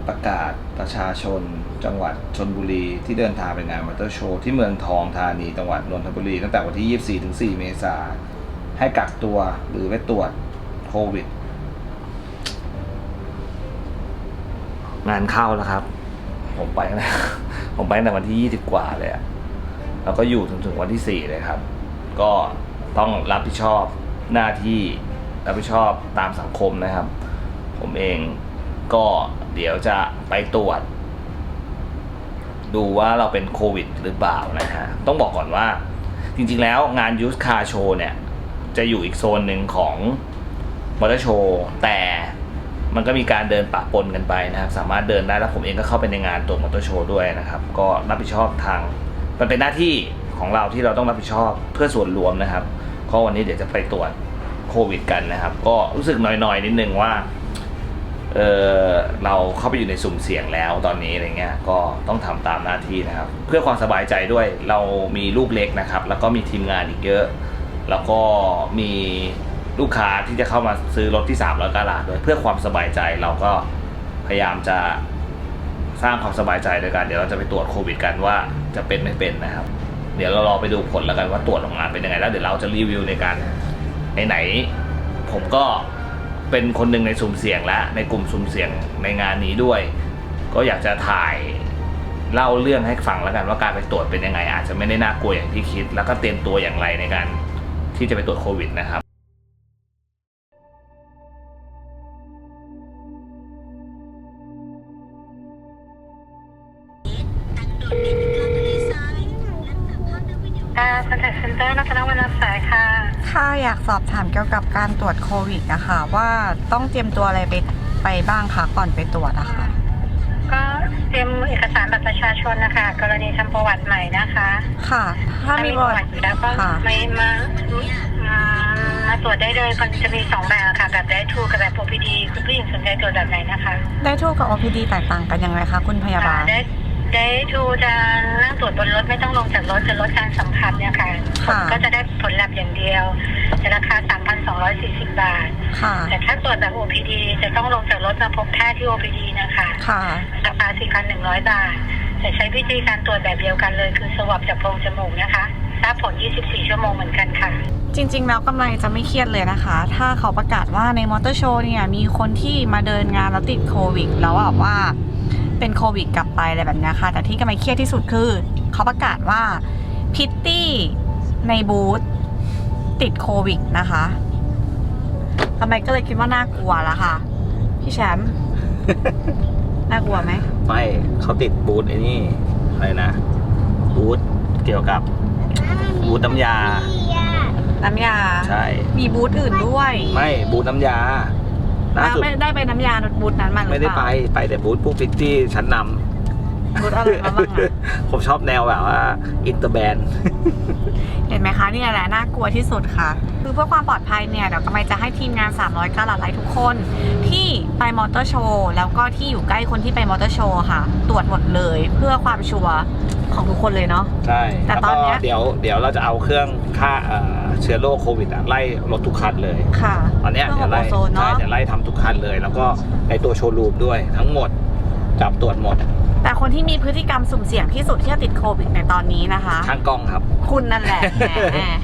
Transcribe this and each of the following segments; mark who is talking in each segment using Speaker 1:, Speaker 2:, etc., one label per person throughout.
Speaker 1: ประกาศประชาชนจังหวัดชลบุรีที่เดินทางไปงานมอเตอร์โชว์ที่เมืองทองธานีจังหวัดนนทบุรีตั้งแต่วันที่ 24 ถึง 4 เมษายนให้กักตัวหรือไปตรวจโควิดงานเข้าแล้วครับผมไปนะ ผมไปตั้งแต่วันที่ 20 กว่าเลยอะแล้วก็อยู่ถึงวันที่ 4 เลยครับก็ต้องรับผิดชอบหน้าที่รับผิดชอบตามสังคมนะครับผมเองก็เดี๋ยวจะไปตรวจดูว่าเราเป็นโควิดหรือเปล่านะฮะต้องบอกก่อนว่าจริงๆแล้วงานยูสคาร์โชว์เนี่ยจะอยู่อีกโซนหนึ่งของมอเตอร์โชว์แต่มันก็มีการเดินปะปนกันไปนะครับสามารถเดินได้แล้วผมเองก็เข้าไปในงานตัวมอเตอร์โชว์ด้วยนะครับก็รับผิดชอบทางมันเป็นหน้าที่ของเราที่เราต้องรับผิดชอบเพื่อส่วนรวมนะครับก็วันนี้เดี๋ยวจะไปตรวจโควิดกันนะครับก็รู้สึกหน่อยๆนิดนึงว่าเราเข้าไปอยู่ในสุ่มเสี่ยงแล้วตอนนี้อะไรเงี้ยก็ต้องทำตามหน้าที่นะครับเพื่อความสบายใจด้วยเรามีลูกเล็กนะครับแล้วก็มีทีมงานอีกเยอะแล้วก็มีลูกค้าที่จะเข้ามาซื้อรถที่300 กะรัตด้วยเพื่อความสบายใจเราก็พยายามจะสร้างความสบายใจโดยการเดี๋ยวเราจะไปตรวจโควิดกันว่าจะเป็นไม่เป็นนะครับเดี๋ยวเรารอไปดูผลแล้วกันว่าตรวจออกมาเป็นยังไงแล้วเดี๋ยวเราจะรีวิวในการไหนผมก็เป็นคนหนึ่งในสุ่มเสี่ยงและในกลุ่มสุ่มเสี่ยงในงานนี้ด้วยก็อยากจะถ่ายเล่าเรื่องให้ฟังแล้วกันว่าการไปตรวจเป็นยังไงอาจจะไม่ได้น่ากลัวอย่างที่คิดแล้วก็เตรียมตัวอย่างไรในการที่จะไปตรวจโควิดนะครับ
Speaker 2: คอนแทคเซ็นเตอร์นักวรรณสายค่ะ
Speaker 3: ค่ะอยากสอบถามเกี่ยวกับการตรวจโควิดนะคะว่าต้องเตรียมตัวอะไรไปบ้างคะก่อนไปตรวจอะค่ะ
Speaker 2: ก็เตรียมเอกสารบัตรประชาชนนะคะกรณีทำประวัติใหม่นะคะ
Speaker 3: ค่ะถ้ามีประวัติ
Speaker 2: อยู่แล้วก็ไม่มาตรวจได้เลยมันจะมี2แบบค่ะแบบได้ทูกับแบบ OPD คุณผู้หญิงสนใจตรวจแบบไหนนะคะ
Speaker 3: ได้ทูกับ OPD แตกต่างกันยังไงคะคุณพยาบาล
Speaker 2: ได้ทูจะนั่งตรวจบนรถไม่ต้องลงจากรถจะลดการสัมผัสเนี่ยค่ะก็จะได้ผลลัพธ์อย่างเดียวจะราคา 3,240 บาทแต่ถ้าตรวจแบบ OPD จะต้องลงจากรถมาพบแพทย์ที่ OPD นะคะราคา 4,100 บาทจะใช้วิธีการตรวจแบบเดียวกันเลยคือสวอปจากโพรงจมูกนะคะทราบผล 24 ชั่วโมงเหมือนกันค่ะ
Speaker 3: จริงๆแล้วกำไรจะไม่เครียดเลยนะคะถ้าเขาประกาศว่าในมอเตอร์โชว์เนี่ยมีคนที่มาเดินงานแล้วติดโควิดแล้วแบบว่าเป็นโควิดกลับไปอะไรแบบนี้ค่ะแต่ที่กำไรเครียดที่สุดคือเขาประกาศว่าพิตตี้ในบูธติดโควิดนะคะกำไรก็เลยคิดว่าน่ากลัวละค่ะพี่แชมป์ น่ากลัวไหม
Speaker 1: ไม่เขาติดบูธไอ้นี่อะไรนะบูธเกี่ยวกับบูธน้ำยาใช่
Speaker 3: มีบูธอื่นด้วย
Speaker 1: ไม่บูธน้ำยา
Speaker 3: ไม่ได้ไปน้ำยาบูธนั้นมัน
Speaker 1: ไม่ได้ไปแต่บูธพวกพิตตี้ชั้นน
Speaker 3: ำบูธอะไรบ้างอะ
Speaker 1: ผมชอบแนวแบบว่าอินเตอร์แบนด์
Speaker 3: เห็นไหมคะนี่แหละน่ากลัวที่สุดค่ะคือเพื่อความปลอดภัยเนี่ยเดี๋ยวกำไมจะให้ทีมงาน300 กะรัตไลท์ทุกคนที่ไปมอเตอร์โชว์แล้วก็ที่อยู่ใกล้คนที่ไปมอเตอร์โชว์ค่ะตรวจหมดเลยเพื่อความชัวร์ของทุกคนเลยเนาะ
Speaker 1: ใช่แต่ตอนนี้เดี๋ยวเราจะเอาเครื่องฆ่าเชื้อโรคโควิดไล่รถทุกคันเลย
Speaker 3: ค่ะ
Speaker 1: ตอนนี้เดี๋ยวไล่ทำทุกคันเลยแล้วก็ในตัวโชว์รูมด้วยทั้งหมดจับตรวจหมด
Speaker 3: แต่คนที่มีพฤติกรรมสุ่มเสี่ยงที่สุดที่จะติดโควิดในตอนนี้นะคะ
Speaker 1: ช่างกล้องครับ
Speaker 3: คุณนั่นแหละแหม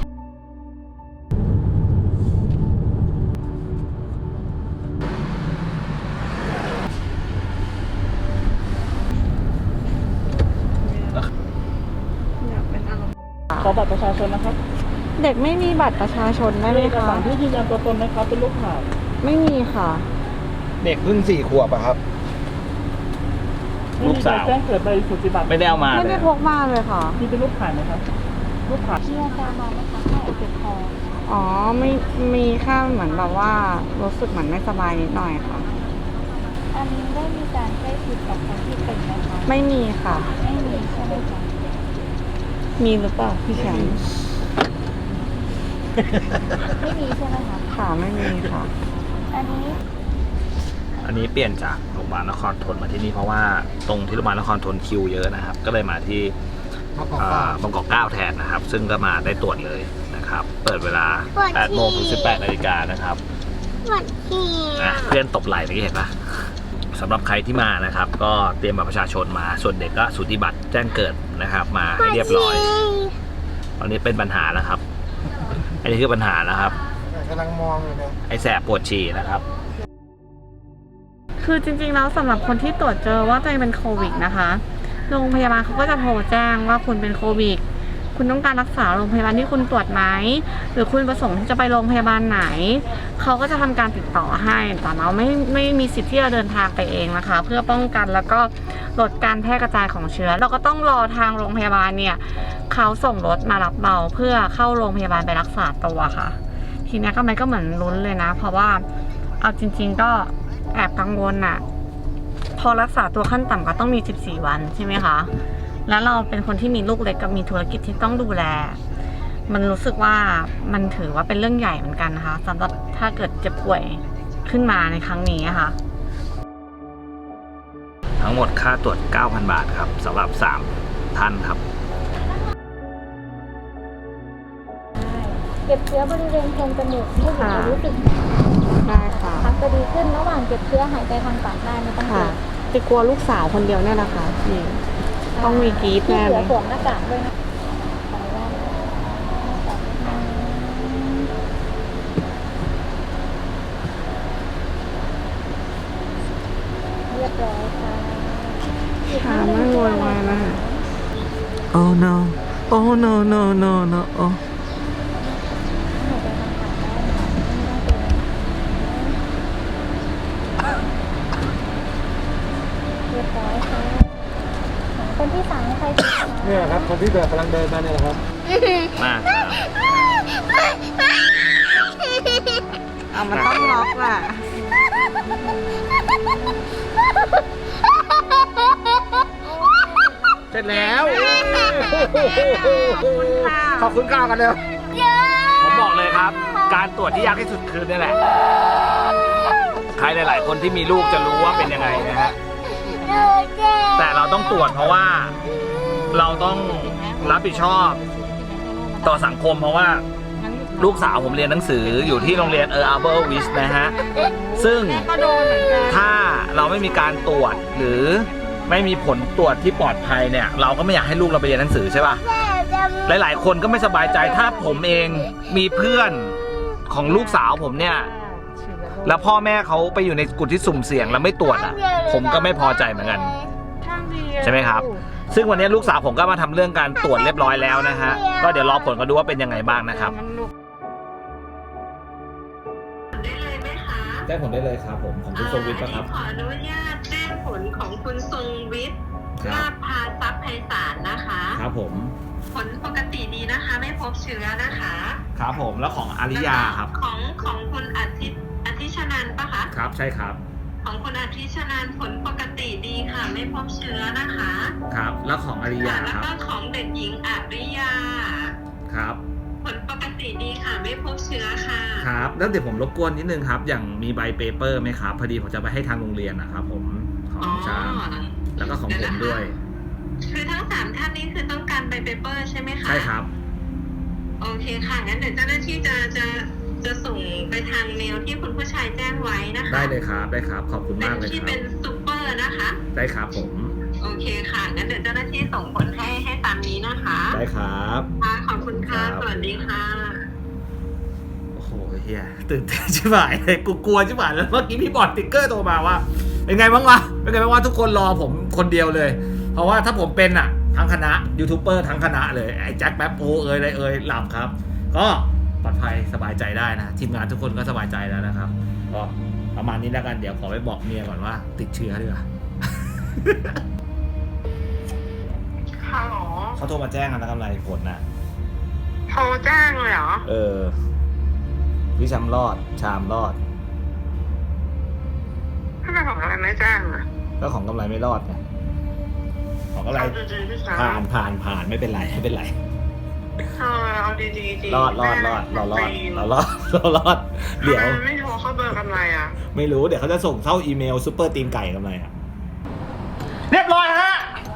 Speaker 4: ขอบัตรประชาชนนะครับ
Speaker 3: เด็กไม่มีบัตรประชาชนได้ไหมคะเอก
Speaker 4: สารที่ยืนยันตัวตนนะครับเป็นรูปถ่าย
Speaker 3: ไม่มีค่ะ
Speaker 1: เด็กเพิ่ง4 ขวบอะครับลูกสาว
Speaker 4: แจ้งเกิดใบสุทธิบัตร
Speaker 1: ไม่ได้เอามา
Speaker 3: ไม่ได้พกมาเลยค่ะ
Speaker 4: มีเป็นรูปถ่ายไหมครับรูปถ่าย
Speaker 2: ที่อาจารย์มาไหมคะให้เจ็บคอ
Speaker 3: อ๋อไม่มีแค่เหมือนแบบว่ารู้สึกเหมือนไม่สบายนิดหน่อยค่ะ
Speaker 2: อันนี้ได้มีการใกล้ชิดกับคนที่เป็นไหมคะ
Speaker 3: ไม่มีค่ะ
Speaker 2: ไม่มีใช่ไหมคะ
Speaker 3: มีหรือเปล่าพี่แชมป์
Speaker 2: ไม่มีใช่ไหมคะ
Speaker 3: ค่ะไม่มีค่ะ
Speaker 2: อัน
Speaker 1: นี้เปลี่ยนจากโรงพยาบาลนครธนมาที่นี่เพราะว่าตรงที่โรงพยาบาลนครธนคิวเยอะนะครับก็เลยมาที่บางกอก9แทนนะครับซึ่งก็มาได้ตรวจเลยนะครับเปิดเวลา 8 โมงถึง 18 นาฬิกานะครับเพื่อนตบไหล่เมื่อกี้เห็นปะสำหรับใครที่มานะครับ ก็เตรียมบัตรประชาชนมาส่วนเด็กก็สูติบัตรแจ้งเกิดนะครับ มาให้เรียบร้อยตอนนี้เป็นปัญหาแล้วครับอันนี้คือปัญหาแล้วครับ
Speaker 5: กำลังมองอยู่เนี่ย
Speaker 1: ไอ้แสบปวดฉี่นะครับ
Speaker 3: คือจริงๆแล้วสำหรับคนที่ตรวจเจอว่าตัวเองเป็นโควิดนะคะโรงพยาบาลเขาก็จะโทรแจ้งว่าคุณเป็นโควิดคุณต้องการรักษาโรงพยาบาลที่คุณตรวจไหมหรือคุณประสงค์ที่จะไปโรงพยาบาลไหนเขาก็จะทำการติดต่อให้แต่เราไม่มีสิทธิ์ที่จะเดินทางไปเองนะคะ เพื่อป้องกันแล้วก็ลดการแพร่กระจายของเชื้อเราก็ต้องรอทางโรงพยาบาลเนี่ยเขาส่งรถมารับเราเพื่อเข้าโรงพยาบาลไปรักษาตัวค่ะทีนี้ก็เหมือนลุ้นเลยนะเพราะว่าเอาจริงๆก็แอบกังวลน่ะพอรักษาตัวขั้นต่ำก็ต้องมี14วันใช่ไหมคะแล้วเราเป็นคนที่มีลูกเล็กกับมีธุรกิจที่ต้องดูแลมันรู้สึกว่ามันถือว่าเป็นเรื่องใหญ่เหมือนกันนะคะสำหรับถ้าเกิดเจ็บป่วยขึ้นมาในครั้งนี้ค่ะ
Speaker 1: ทั้งหมดค่าตรวจ 9,000 บาทครับสำหรับ3ท่านครับ
Speaker 6: เก็บเชื้อบริเวณโพรงจมูกผู้หญิงจะรู้สึก
Speaker 3: ได้ค่ะ
Speaker 6: พักจะดีขึ้นระหว่างเก็บเชื้อหายใจทางปากได้ไม่ต้องกลั
Speaker 3: ค่ะ
Speaker 6: ว
Speaker 3: จะกลัวลูกสาวคนเดียวเนี่ยนะคะนี่ต้องมีกรี๊ด
Speaker 6: ที่
Speaker 3: แน่
Speaker 6: เห
Speaker 3: เล
Speaker 6: ลือย สวมหน้ากากด้วยนะขออนุญาตเรียบร้อยค่ะอีก
Speaker 3: ค่ะ
Speaker 6: ท่านห
Speaker 3: ไม่
Speaker 6: นึ่ง
Speaker 3: โว
Speaker 6: ชื่ออะไร
Speaker 3: ยวายนะ
Speaker 6: คะ
Speaker 1: Oh no Oh no no no no Oh
Speaker 6: หายใจทางปากได้ค่ะไม่ต้องกลัวเรียบร้อยค่ะคนที่สามใครคะ
Speaker 5: เนี่ยครับคนที่แบบกำลังเดินมาเนี่ยแหละครับ
Speaker 1: มาครับ
Speaker 3: เอามันต้องล็อกแหละ
Speaker 1: เสร็จแล้ว
Speaker 5: ขอบคุณก้าวกันเลย
Speaker 1: ผมบอกเลยครับ การตรวจที่ยากที่สุดคือนี่แหละ ใครหลาย ๆ คนที่มีลูกจะรู้ว่าเป็นยังไงนะฮะ แต่เราต้องตรวจเพราะว่าเราต้องรับผิดชอบต่อสังคมเพราะว่าลูกสาวผมเรียนหนังสืออยู่ที่โรงเรียนArbor Wis นะฮะ ซึ่ง
Speaker 3: ก็โดนเหมือนกัน
Speaker 1: ถ้าเราไม่มีการตรวจหรือไม่มีผลตรวจที่ปลอดภัยเนี่ย เราก็ไม่อยากให้ลูกเราไปเรียนหนังสือใช่ป่ะ หลาย ๆ คนก็ไม่สบายใจถ้าผมเองมีเพื่อนของลูกสาวผมเนี่ย แล้วพ่อแม่เขาไปอยู่ในกลุ่มที่สุ่มเสี่ยงแล้วไม่ตรวจอ่ะ ผมก็ไม่พอใจเหมือนกัน ใช่ไหมครับ ซึ่งวันนี้ลูกสาวผมก็มาทำเรื่องการตรวจเรียบร้อยแล้วนะฮะ ก็เดี๋ยวรอผลกันดูว่าเป็นยังไงบ้างนะครับ
Speaker 2: ได้เลยไหมคะ
Speaker 1: ได้ผลได้เลยครับผมของคุณทรงวิทย์ครับ
Speaker 2: ขออนุญาตแจ้งผลของคุณทรงวิทย์
Speaker 1: ครับ
Speaker 2: ลาภพาทรัพย์ไพศาลนะคะ
Speaker 1: ครับผม
Speaker 2: ผลปกติดีนะคะ ไม่พบเชื้อนะคะ
Speaker 1: ครับผมแล้วของอาริยาครับ
Speaker 2: ของคุณอาทิชนันท์ปะคะ
Speaker 1: ครับใช่ครับ
Speaker 2: ของคุณอาทิชนันท์ผลปกติดีค่ะ ไม่พบเชื้อนะคะ
Speaker 1: ครับ แล้วของอาริยา
Speaker 2: แล้ว
Speaker 1: ครับ
Speaker 2: ก็ของเด็กหญิงอาริยา
Speaker 1: ครับ
Speaker 2: ผลปกติดีค่ะ ไม่พบเชื้อค่ะ
Speaker 1: ครับ แล้วเดี๋ยวผมรบกวนนิดนึงครับ อย่างมีใบเปเปอร์ไหมครับ พอดีผมจะไปให้ทางโรงเรียนนะครับผมของชามแล้วก็ของผมด้วย
Speaker 2: คือทั้งสามท่านนี้คือต้องการใบเปเปอร์ใช่ไหมคะ
Speaker 1: ใช่ครับ
Speaker 2: โอเคค่ะ งั้นเดี๋ยวเจ้าหน้าที่จะส่งไปทางเมลที่คุณผู้ชายแจ้งไว้นะคะ
Speaker 1: ได้เลยครับ ได้ครับ ขอบคุณ
Speaker 2: เป็น
Speaker 1: มากเลย
Speaker 2: ที่
Speaker 1: ครั
Speaker 2: เป็
Speaker 1: บ
Speaker 2: นซูเปอร์นะคะ
Speaker 1: ได้ครับผม
Speaker 2: โอเคค่ะ งั้นเดี๋ยวเจ้าหน้าที่ส่งผลให้ตามนี้นะคะ
Speaker 1: ได้ครับ
Speaker 2: ค่ะขอบคุณค่ะ
Speaker 1: ครับ
Speaker 2: สวัสดีค่ะ
Speaker 1: โอ้โหเฮียตื่นเต้นชิบหายเลยกูกลัวชิบหายแล้วเมื่อกี้พี่บอดติ๊กเกอร์โทรมาว่าเป็นไงบ้างวะเป็นไงบ้างวะทุกคนรอผมคนเดียวเลย เพราะว่าถ้าผมเป็นอ่ะทั้งคณะยูทูบเบอร์ทั้งคณะเลยไอ้แจ็คแป๊บโออะไรหลับครับ ก็ปลอดภัยสบายใจได้นะทีมงานทุกคนก็สบายใจแล้วนะครับก็ประมาณนี้แล้วกันเดี๋ยวขอไปบอกเมียก่อนว่าติดเชื้อดีกว่า
Speaker 2: ฮัลโหล
Speaker 1: เขาโทรมาแจ้งกันแล้วกำไรผลนะ
Speaker 2: โทรแจ้งเลยเหรอ
Speaker 1: พี่ชามรอดชามรอด
Speaker 2: ทำไมของอะไรไม่แจ้งอ่ะ
Speaker 1: ก็ของกำไรไม่รอดไงของกำไร
Speaker 2: เอาดีๆพี่ชาย
Speaker 1: ผ่านไม่เป็นไรไม่เป็นไร
Speaker 2: เอาดีๆ
Speaker 1: รอดเรารอด เดี๋ยว
Speaker 2: ไม่โทรเข้าเบอร์กำไรอ่ะ
Speaker 1: ไม่รู้เดี๋ยวเขาจะส่งเข้าอีเมลซูเปอร์ตีนไก่กำไรอ่ะเรียบร้อยฮะ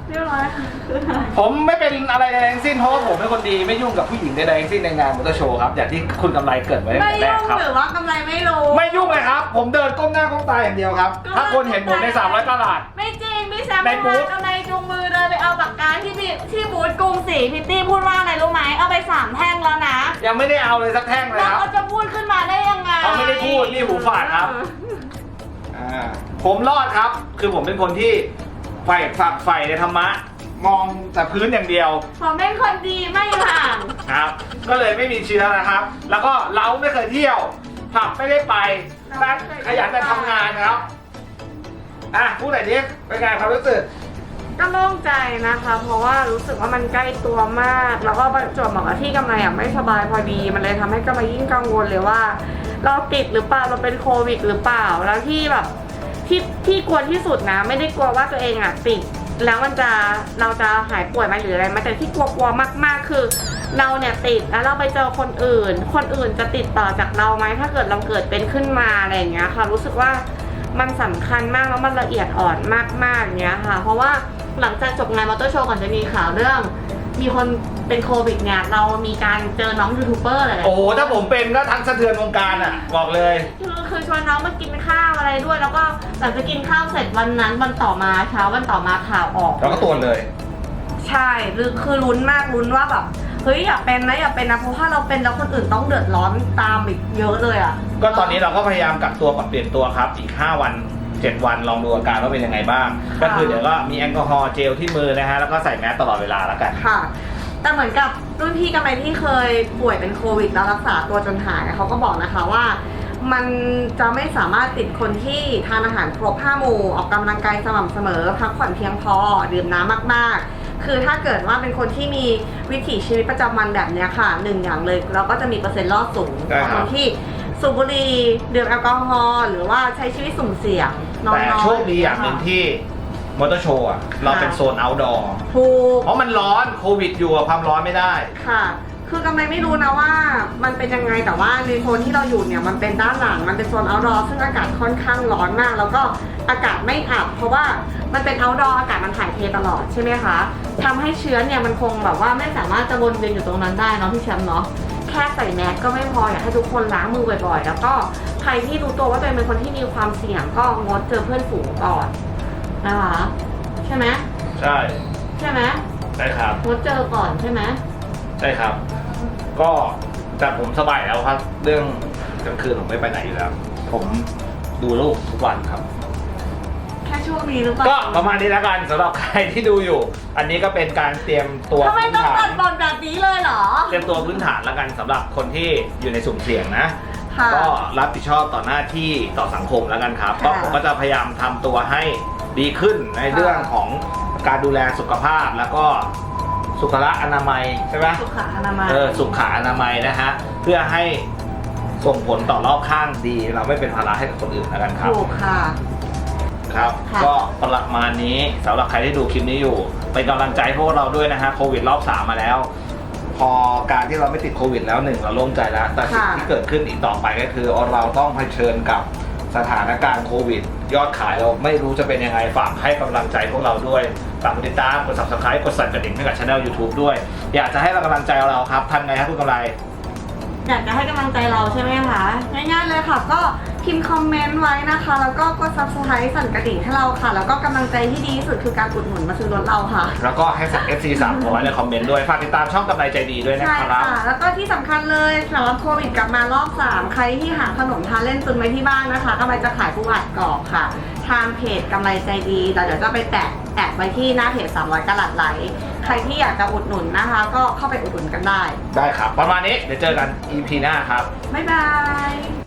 Speaker 3: เรียบร้อยค่ะ
Speaker 1: ผมไม่เป็นอะไรใดทั้งสิ้นเพราะว่าผมเป็นคนดีไม่ยุ่งกับผู้หญิงใดๆทั้งสิ้นในงานมอเตอร์โชว์ครับอย่างที่คุณกำไรเกริดไว้ตั้ง
Speaker 3: ไม่
Speaker 1: แต่แร
Speaker 3: ยุ่
Speaker 1: ก
Speaker 3: ง
Speaker 1: ครับ
Speaker 3: หรือว่ากำไรไม่รู้
Speaker 1: ไม่ยุ่งเลยครับ ผมเดินก้มหน้าก้มตาอย่างเดียวครับ ถ้าคนเห็นผมใน300ตลาด
Speaker 3: ไม่จริงพี่แซม
Speaker 1: ในบูธ
Speaker 3: กำไรจูงมือเดินไปเอาปากกาที่บูธกรุงศรีพิตตี้พูดว่าอะไรรู้ไหมเอาไป3 แท่งแล้วนะ
Speaker 1: ยังไม่ได้เอาเลยสักแท่งเลย
Speaker 3: แล้ว
Speaker 1: ครับ
Speaker 3: เขาจะพูดขึ้นมาได้ยังไง
Speaker 1: เขาไม่ได้พูดนี่หูฝาดครับ ผมรอดครับ คือผมเป็นคนที่ฝักใฝ่ในธรรมะ มองแต่พื้นอย่างเดียว
Speaker 3: ผมเป็นคนดีไม่ห่าง
Speaker 1: ครับ ก็เลยไม่มีเชื้อนะครับ แล้วก็เราไม่เคยเที่ยวผับไม่ได้ไปนั่งขยันแต่ทำงานครับพูดหน่อยดิเป็นไงความรู้สึก
Speaker 3: ก็โล่งใจนะคะ เพราะว่ารู้สึกว่ามันใกล้ตัวมาก แล้วก็ประจวบเหมาะกับที่กำไรไม่สบายพอดี มันเลยทำให้กำไรยิ่งกังวลเลยว่า เราติดหรือเปล่าเราเป็นโควิดหรือเปล่าแล้วที่แบบที่กลัวที่สุดนะ ไม่ได้กลัวว่าตัวเองติดแล้วเราจะหายป่วยไหมหรืออะไรแต่ที่กลัวมากๆคือเราเนี่ยติดแล้วเราไปเจอคนอื่นจะติดต่อจากเราไหมถ้าเกิดเราเกิดเป็นขึ้นมาอะไรอย่างเงี้ยค่ะรู้สึกว่ามันสำคัญมากแล้วมันละเอียดอ่อนมากๆอย่างเงี้ยค่ะเพราะว่าหลังจากจบงานมอเตอร์โชว์ก่อนจะมีข่าวเรื่องมีคนเป็นโควิดเนี่ยเรามีการเจอน้องยูทูบเบอร์อะไร
Speaker 1: โอ้โหถ้าผมเป็นก็ทั้งสะเทือนวงการบอกเลย
Speaker 3: คือชวนน้องมากินข้าวอะไรด้วย แล้วก็หลังจากกินข้าวเสร็จวันนั้นวันต่อมาเช้าวันต่อมาข่าวออก
Speaker 1: เราก็ตรวจเลย
Speaker 3: ใช่คือลุ้นมากลุ้นว่าแบบเฮ้ยอย่าเป็นนะเพราะถ้าเราเป็นแล้วคนอื่นต้องเดือดร้อนตามอีกเยอะเลยอ่ะ
Speaker 1: ก็ตอนนี้เราก็พยายามกักตัวปรับเปลี่ยนตัวครับอีก5 วัน 7 วันลองดูอาการว่าเป็นยังไงบ้าง ก็คือเดี๋ยวก็มีแอลกอฮอล์เจลที่มือนะฮะแล้วก็ใส่แมสตลอดเวลาแล้วกัน
Speaker 3: ค่ะ แต่เหมือนกับรุ่นพี่กำไรที่เคยป่วยเป็นโควิดแล้วรักษาตัวจนหายเขาก็บอกนะคะว่า มันจะไม่สามารถติดคนที่ทานอาหารครบ5 หมู่ออกกำลังกายสม่ำเสมอพักผ่อนเพียงพอดื่มน้ำมากๆคือถ้าเกิดว่าเป็นคนที่มีวิถีชีวิตประจำวันแบบนี้ค่ะ1 อย่างเลยเราก็จะมีเปอร์เซ็นต์รอดสูงกว่าคนที่สูบบุหรี่ดื่มแอลกอฮอล์หรือว่าใช้ชีวิตสุ่มเสี่ยงน้อยๆ
Speaker 1: แต่โชคดีอย่างหนึ่งที่มอเตอร์โชว์เราเป็นโซน outdoor
Speaker 3: ถูก
Speaker 1: เพราะมันร้อนโควิดอยู่ความร้อนไม่ได้
Speaker 3: ค่ะ คือกำไรไม่รู้นะว่ามันเป็นยังไงแต่ว่าในโซนที่เราอยู่เนี่ยมันเป็นด้านหลังมันเป็นโซน outdoor ซึ่งอากาศค่อนข้างร้อนมาก แล้วก็อากาศไม่อับเพราะว่ามันเป็น outdoor อากาศมันถ่ายเทตลอดใช่ไหมคะทำให้เชื้อเนี่ยมันคงแบบว่าไม่สามารถจะวนเวียนอยู่ตรงนั้นได้เนาะพี่แชมป์เนาะแค่ใส่แมสก็ไม่พออยากให้ทุกคนล้างมือบ่อยๆแล้วก็ใครที่รู้ตัวว่าตัวเองเป็นคนที่มีความเสี่ยงก็งดเจอเพื่อนฝูงก่อนนะคะใช่ไหม
Speaker 1: ใช่
Speaker 3: ใช่ไหม
Speaker 1: ใช่ครับ
Speaker 3: งดเจอก่อนใช่ไหม
Speaker 1: ใช่ครับ ก็แต่ผมสบายแล้วครับ เรื่องกลางคืนผมไม่ไปไหนอยู่แล้ว ผมดูลูกทุกวันครับ
Speaker 3: แค่ช่วงนี้หรือเปล่า
Speaker 1: ก็ประมาณนี้แล้วกันสำหรับใครที่ดูอยู่ อันนี้ก็เป็นการเตรียมตัว
Speaker 3: ทำไม
Speaker 1: พื้น
Speaker 3: ต้อง
Speaker 1: ฐา
Speaker 3: ตั
Speaker 1: น
Speaker 3: ดบอลแบบนี้เลยเหรอ
Speaker 1: เตรียมตัวพื้นฐานแล้วกันสำหรับคนที่อยู่ในสุ่มเสี่ยงนะ
Speaker 3: ค่ะ
Speaker 1: ก็รับผิดชอบต่อหน้าที่ต่อสังคมแล้วกันครับ
Speaker 3: ค่ะ
Speaker 1: ก็ผมก็จะพยายามทำตัวให้ดีขึ้นในเรื่องของการดูแลสุขภาพแล้วก็สุขอนามัยใช่ไหม
Speaker 3: สุขอนามัย
Speaker 1: สุขอนามัยนะฮะเพื่อให้ส่งผลต่อรอบข้างดี เราไม่เป็นภาระให้กับคนอื่นแล้วกันครับ
Speaker 3: ถูกค่ะ
Speaker 1: ครับ
Speaker 3: ค่ะ
Speaker 1: ก็ประมาณนี้สำหรับใครที่ดูคลิปนี้อยู่เป็นกำลังใจพวกเราด้วยนะฮะโควิดรอบ 3มาแล้ว พอการที่เราไม่ติดโควิดแล้ว1เราโล่งใจแล้วแต่สิ่งที่เกิดขึ้นอีกต่อไปก็คือเราต้องเผชิญกับสถานการณ์โควิด ยอดขายเราไม่รู้จะเป็นยังไงฝากให้กำลังใจพวกเราด้วยฝากกดติดตามกด subscribe กดสั่นกระดิ่งให้กับ channel YouTube ด้วย อยากจะให้กำลังใจเราครับทำไงครับคุณกำไร
Speaker 3: อยากจะให้กำลังใจเราใช่ไหมคะ ง่ายๆเลยค่ะ ก็พิมพ์คอมเมนต์ไว้นะคะ แล้วก็กด subscribe สั่นกระดิ่งให้เราค่ะ แล้วก็กำลังใจที่ดีที่สุดคือการอุดหนุนมาซื้อรถเราค่ะ
Speaker 1: แล้วก็ให้FC 3ไว้ในคอมเมนต์ด้วยฝากติดตามช่องกำไรใจดีด้วยนะ
Speaker 3: ใช่
Speaker 1: ครับ
Speaker 3: ค่ะ แล้วก็ที่สำคัญเลยสำหรับโควิดกลับมารอบ 3 ใครที่หาขนมทานเล่นตุนไว้ที่บ้านนะคะกำไรจะขายปูอัดกรอบค่ะ ทางเพจกำไรใจดีแต่เดี๋ยวจะไปแแอดไว้ที่หน้าเพจ300กะรัตไลท์ใครที่อยากจะอุดหนุนนะคะ ก็เข้าไปอุดหนุนกันได้
Speaker 1: ได้ครับ ประมาณนี้เดี๋ยวเจอกัน EP หน้าครับ
Speaker 3: บ๊ายบาย